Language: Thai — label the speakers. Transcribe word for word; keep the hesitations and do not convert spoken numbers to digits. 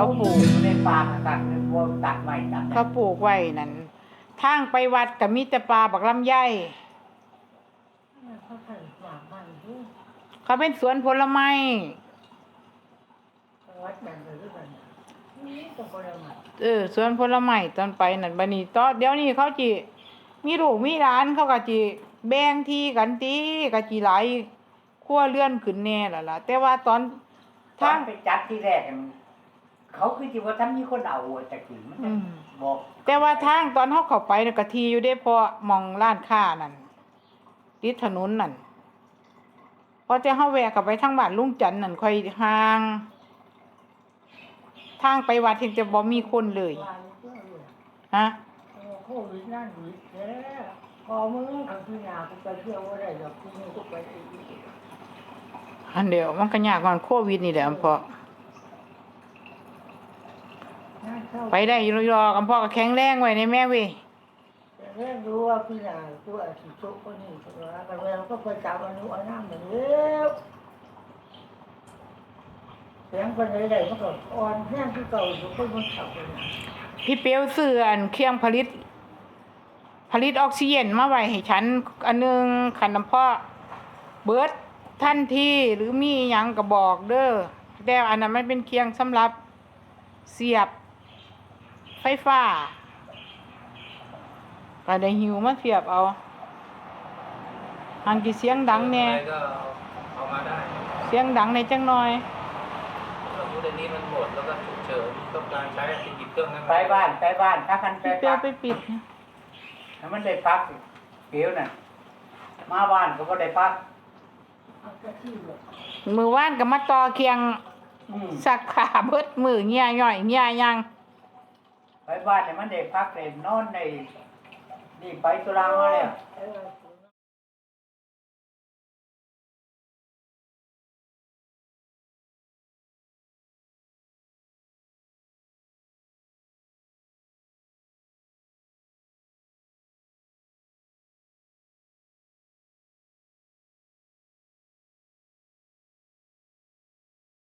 Speaker 1: เขาปลูก
Speaker 2: ในป่าตัดวัวตัดไว้ตัด
Speaker 1: เขาปลูกไว้นั่นทางไปวัดก็มีแต่ปลาบักลำไย
Speaker 3: เขาขันหมากมันที่
Speaker 1: เขาเป็นสวนผลไม้
Speaker 3: วัดแบบนี้กันนี่ตัวคนละหมาด
Speaker 1: เออสวนผลไม้ตอนไปนั่นบัดนี้ตอนเดี๋ยวนี้เขาจิมีลูกมีหลานเขาก็จิแบ่งที่กันติก็จิหลายครัวเรือนขึ้นแน่ล่ะล่ะแต่ว่าตอน
Speaker 2: ทา
Speaker 1: ทาง ง
Speaker 2: ไปจัดที่แรกมันเขาคือที่ว่าท่านมีคนเอาแต่กินมัน
Speaker 1: อืม
Speaker 2: บอก
Speaker 1: แต่ว่าทางตอนเฮาเข้าไปน่ะก็ทีอยู่เด้เพราะมองร้านค้านั่นติดถนนนั่นพอจะเฮาแวะเข้าไปทางบ้านลุงจันทน์นั่นค่อยห่าง ทางไปวัดเห็นจะบ่มีคนเลย
Speaker 3: วายเพื่อเลย
Speaker 1: ฮะ
Speaker 3: โควิดนั่นวิดแล้วพอมึงกับพี่นากูไปเที่ยวว่าได้ดอกกูมึงก็ไปอีก
Speaker 1: อันเดียวมันก็ยากกว่าโควิดนี่แหละอำพ่อ
Speaker 3: นั่นเข้า
Speaker 1: ไปได้อยู่รอๆอำพ่อก็แข็งแรงไว้ในแม่เว้ย
Speaker 3: แต่เรื่องรู้ว่าพี่นาตัวสิโตคนนี้ตัวกันแล้วก็ไปจับอนุอน้ำเหมือนเดิมเสียงคนใดๆมันก็อ่อนแห้งที่เก่าอยู่คนมันขับเลย
Speaker 1: พี่เปียวซื้ออันเครื่องผลิต ผลิตออกซิเจนมาไว้ให้ฉันอันหนึงคันอำพ่อเบิดทันทีหรือมีหยังก็บอกเด้อแต่อันนั้นมันเป็นเครื่องสำหรับเสียบไฟฟ้าก็ได้หิวมาเสียบเอาหันกี่เสียงดังแน่
Speaker 4: ก็เอามาได้
Speaker 1: เสียงดังในจังหน่อย
Speaker 4: สมมติอันนี้มันหมดแล้วก็ฉุกเฉินต้องการใช้อันที่หยิบเครื่องนั้น
Speaker 2: ไปบ้านไปบ้านถ้าคันไป
Speaker 1: พี่เปีย
Speaker 2: พั
Speaker 1: ว
Speaker 2: ก
Speaker 1: ไปปิดนะ
Speaker 2: ถ้ามันได้พักเปียวน่ะมาบ้านก็บ่ได้พัก
Speaker 3: เอาแค่ที่เลย
Speaker 1: มือว่านก็มาต่อเคียง
Speaker 2: อืม
Speaker 1: สักขาเบิดมือเงี้ยย่อยเงี้ยยัง
Speaker 2: ไปบ้านเนี่ยมันได้พักได้นอนได้นี่ไปตุลามาแล้ว
Speaker 3: เออ